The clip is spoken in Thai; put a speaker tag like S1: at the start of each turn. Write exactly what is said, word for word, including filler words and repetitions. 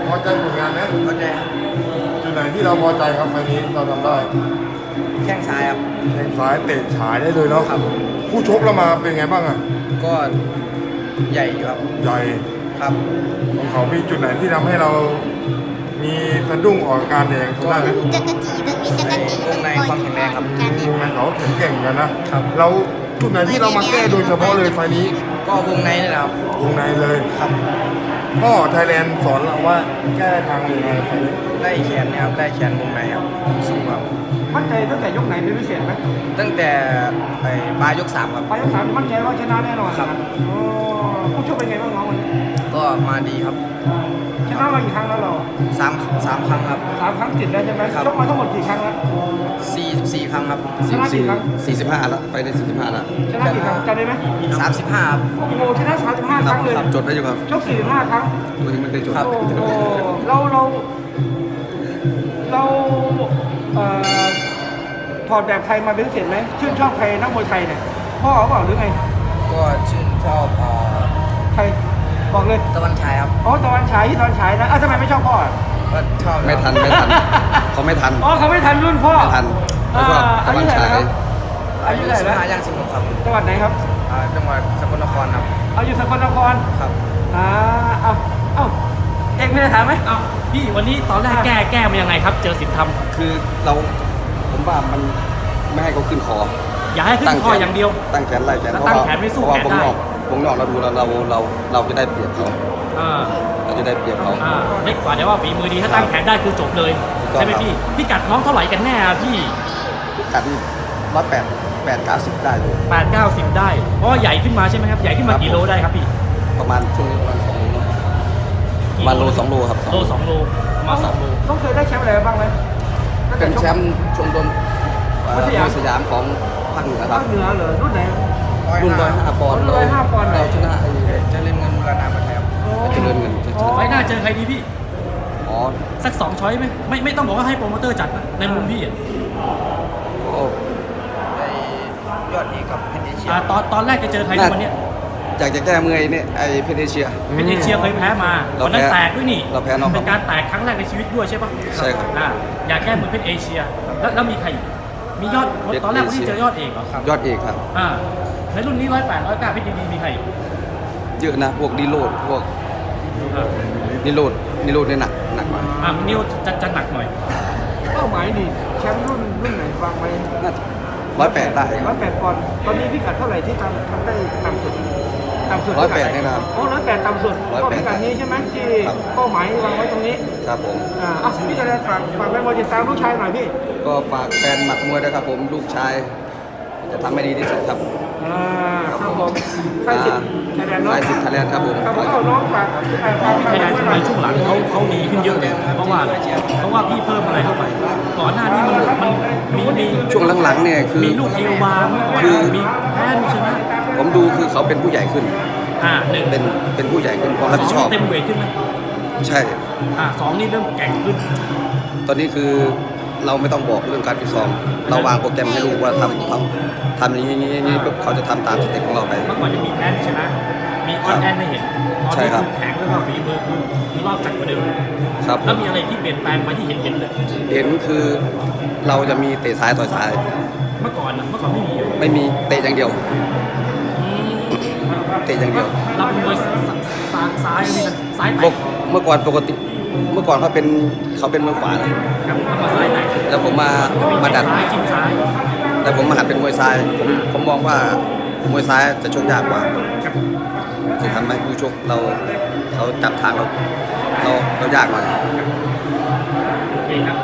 S1: พอใจผลงานไหม
S2: เข้าใจ
S1: จุดไหนที่เราพอใจครับไฟล์นี้เราทำได้
S2: แข้งซ้ายครับ
S1: แข้งซ้ายเตะฉายได้เลยเนาะ
S2: ครับ
S1: ผู้ชกเรามาเป็นไงบ้างอ่ะ
S2: ก็ใหญ่อยู่ครับ
S1: ใหญ่
S2: ครับ
S1: ของเขามีจุดไหนที่ทำให้เรามีสะดุ้งออกอาการแดงเขาได้ไหม
S3: จักรจีต้องมีจักรจี
S2: วงในความแข็งแรงครับ
S3: การเนี่ยว
S1: งในเขาแข็งแกร่งกันนะครับ เราจุดไหนที่เรามาแก้โดยเฉพาะเลยไฟล์นี้
S2: ก็วงในนี่แหละครับ
S1: วงในเลย
S2: ครับ
S1: พ่อไทยแลนด์สอนเราว่าแก้ทางยังไงไฟล์นี้
S2: ได้แขนเนี่ยครับได้แขนวงในครับสูงครับ
S4: มั่นใจตั้งแต่ยกไหนเป็นพิเศษไหม
S2: ตั้งแต่ไอ้ปลายยกสามครับ
S4: ไปยกสามมั่นใจว่าชนะแน่นอน
S2: ครับ
S4: โอ้ผู้ชกเป็นไงบ้างน้องวันนี้
S2: ก็มาดีครับ
S4: ชนะมากี่ครั้งแล้วเรา
S2: สามสามครั้งครับ
S4: สามครั้งติดแล้วใช่ไหม
S2: ครับ
S4: ชกมาทั้งหมดกี่ครั้งแล้ว
S2: สี่สิบสี่ครั้งครับ
S4: ชนะกี่ครั้ง
S5: สี่สิบห้าแล้วไปได้สี่สิบห้าแล้ว
S4: ชนะกี่ครั้งจำได้ไหม
S2: สามสิบห้าครับ
S4: โอ้โหชนะสามสิบห้า
S5: ค
S4: ค
S5: รั
S4: รั้งเลย
S5: ครับจดได้อยู่ครับ
S4: ชกสี่สิบห้าครั้ง
S5: ตัวยังไม่ได้จด
S2: ครับ
S4: โอ้โหเราเราเราเอ่อถอดแบบใครมาเป็นพิเศษไหมชื่นชอบใครนักมวยไทยเนี่ยพ่อเขาเปล่าหรือไง
S2: ก็ชื่นชอบเอ่อ
S4: ใครบอกเลย
S2: ตะวันฉายครับ
S4: อ๋อตะวันฉายที่ตะวันฉายนะอ้าวทำไมไม่ชอบพ่ออ่ะ
S2: ก็ชอบ
S5: ไม่ทันไม่ทันเขาไม่ทัน
S4: อ๋อเขาไม่ทันรุ่นพ่อ
S5: ไม่ทันเขาชอบตะวันฉาย
S4: อา
S2: อา
S4: ยุ
S2: ยุ
S4: เท่าไหร่
S2: สิบ
S4: แล้ว
S2: ห้าย่างสิบหกครับ
S4: จังหวัดไหนครับ
S2: อ่าจังหวัดสกลนครครับ
S4: เอาอยู่สกลนคร
S2: ครับ
S4: อ่าเอาเอาเอกไม่ได้ถามไหม
S6: อ้าวพี่วันนี้ตอนแรกแก้แก้มายังไงครับ เจอสินธรรม
S5: คือเราผมว่ามันไม่ให้เขาขึ้นคอ
S6: อย่าให้ขึ้นคออย่างเดียว
S5: ตั้งแขนไล่แขน
S6: แล้ว
S5: เพราะ
S6: ตั้ง
S5: ว่า
S6: แขนไม่สู้
S5: เพราะว่า
S6: แขน
S5: วง
S6: ได้
S5: นอกวงนอกเราดูเราเราเราเราจะได้เปรียบเขา
S6: อ่า
S5: เราจะได้เปรียบเขา
S6: อ่าเล็กกว่าแต่ว่าฝีมือดีถ้าตั้งแขนได้คือจบเลย
S5: ถูกต้อง
S6: ใช่ไหมพี่พี่กัดน้องเท่าไหร่กันแน่อะพี่
S5: กัดนี่ร้อยแปดแปดเก้าสิบได้เลย
S6: แปดเก้าสิบได้เพราะว่าใหญ่ขึ้นมาใช่ไหมครับใหญ่ขึ้นมากี่โลได้ครับพี่
S5: ประมาณช่วงนี้ประมาณสองโลเนอะประมาณโลสองโลครับ
S6: โลสองโลประมาณสองโล
S4: ต้องเคยได้แชมป์อะไรบ้างไหมตั้งต่
S5: เป็นแชมป์ชมรมเอ่อ
S4: วัดสยาม
S5: มวยสยามของภาคเหนือค
S4: ภา
S5: รับ
S4: คเหนือเหรอรุ่นไหน
S5: รุ่นร้อยห้าปอนด์
S4: รุ่นร้อยห้าปอนด์
S5: เราชนะไอ้
S2: จะเล่นเงินรานาประเทศครับ
S5: เจริญเงินชนะ
S4: อ๋อ
S6: ไฟหน้าเจอใครดีพี่
S5: อ๋อ
S6: สักสองช้อยไหมไม่ไม่ต้องบอกว่าให้โปรโมเตอร์จัดนะในมุมพี่อะ
S5: โอ้
S2: ไอ้ยอดเอกกับเพชรเอเชีย
S6: อ่าตอนตอนแรกจะเจอใครในวันเนี้ย
S5: อยากจะแก้มือไอ้เนี่ยไอ้เพชรเอเชีย
S6: เป็นเอเชียเคยแพ้มา
S5: เรา
S6: วันนั้น
S5: แพ้
S6: แตกด้วยนี่
S5: เราแพ้น็อก
S6: เป็นการแตกครั้งแรกในชีวิตด้วยใช่ปะ
S5: ใช่ครับ
S6: อ่าอยากแก้มือเป็นเอเชีย แล้วแล้วมีใครอีกมียอด
S5: เพชร
S6: ตอนแรก
S5: เอ
S6: วัน
S5: เชี
S6: นี้
S5: ย
S6: เจอยอดเอกเหรอครับ
S5: ยอดเอกครับ
S6: อ่าในรุ่นนี้ร้อยแปดร้อยเก้าพี่ดีมีใครอีก
S5: เยอะนะพวกดีโรดพวก
S6: อ่า
S5: นิโรดนิโรดเนี่ยหนักหนักกว่า
S6: อ่านิวจะจะหนักหน่อย
S4: เป้าหมายนี่แชมป์รุ่นรุ่นไหนวางไว้
S5: น่าร้อยแปดได้
S4: ร้อยแปดปอนด์ตอนนี้พิกัดเท่าไหร่ที่ทำทำได้ต่ำสุดต่ำสุด
S5: ร้อยแปดนี่นะครับ
S4: โอ้ร้อยแปดต่ำสุด
S5: ร้อย
S4: ก็
S5: แปด
S4: พิกัดนี้ใช่ไหมที่
S5: ครับ
S4: เป้าหมายวางไว้ตรงนี้
S5: ครับผม
S4: อ่าอ่ะพี่จะได้ฝากฝากแฟนบอลติดตามลูกชายหน่อยพี่
S5: ก็ฝากแฟนหมัดมวยด้วยครับผมลูกชาย จะทำให้ดีที่สุดครับ
S4: อ่าครับผมใครสิทธิ์ไทยแลนด์เนาะ
S5: ใครสิทธิ์ไทยแลนด์ครับผม
S4: ครับผมเอาน้องฝากฝากฝาก
S6: ไทยแลนด์
S4: ไว้หน่
S6: ใน
S4: อย
S6: ช่วงหลังเขาเขาดีขึ้นเยอะเลยเพราะว่าอะไรเพราะว่าพี่เพิ่มอะไรเข้าไป ก่อนหน้านี้มันมันมีมี
S5: ช่วงหลังๆเนี่ยคือ
S6: มีลูกเอวบาง
S5: คือ
S6: มีแพ้มีชนะ
S5: ผมดูคือเขาเป็นผู้ใหญ่ขึ้น
S6: อ่าหนึ่ง
S5: เป็นเป็นผู้ใหญ่ขึ้นความรับ
S6: สอ
S5: ผิ
S6: ง
S5: ดชอบ
S6: นี่เต็มเวทขึ้นไหม
S5: ใช่
S6: อ่าสองนี่เริ่มแกร่งขึ้น
S5: ตอนนี้คือเราไม่ต้องบอกเรื่องการฟิตซ้อมเราวางโปรแกรมให้ลูกว่าทำทำทำอย่างนี้อย่างนี้อย่างนี้ปุ๊บเขาจะทำตามสเต็ปของเราไป
S6: เมื่อก่อนจะมีแพ้มีชนะ มีออนแอนไม่เห็นตอน
S5: ใช่
S6: นี้
S5: ครับ
S6: คือแข็งแล้วก็ฝีมือคือคือรอบจัดกว่าเดิม
S5: ครับผ
S6: แล้ว
S5: ม
S6: มีอะไรที่เปลี่ยนแปลงมาที่เห็นเห็นเลย
S5: เห็นคือเราจะมีเตะซ้ายต่อยซ้าย
S6: เมื่อก่อนนะเมื่อก่อนไม่มี
S5: ไม่มีเตะอย่างเดียว
S6: อืม
S5: เตะอย่างเดียว
S6: เราเป็นมวยซ้ายซ้ายนี่นะซ้าย
S5: ป
S6: แต
S5: ก
S6: ก
S5: เมื่อก่อนปกติ เมื่อก่อนเขาเป็นเขาเป็นมือขวานะ
S6: ครับเอามาซ้ายแตก
S5: แล้วผมมามาดัด
S6: ซ้ายจิ้มซ้าย
S5: แต่ผมมาหัดเป็นมวยซ้ายผมผมมองว่ามวยซ้ายจะชกยากกว่า
S6: ครับ
S5: จะทำให้ผู้ชกเราเขาจับทางเราเราเรายากหน่อย
S6: โอเคครับ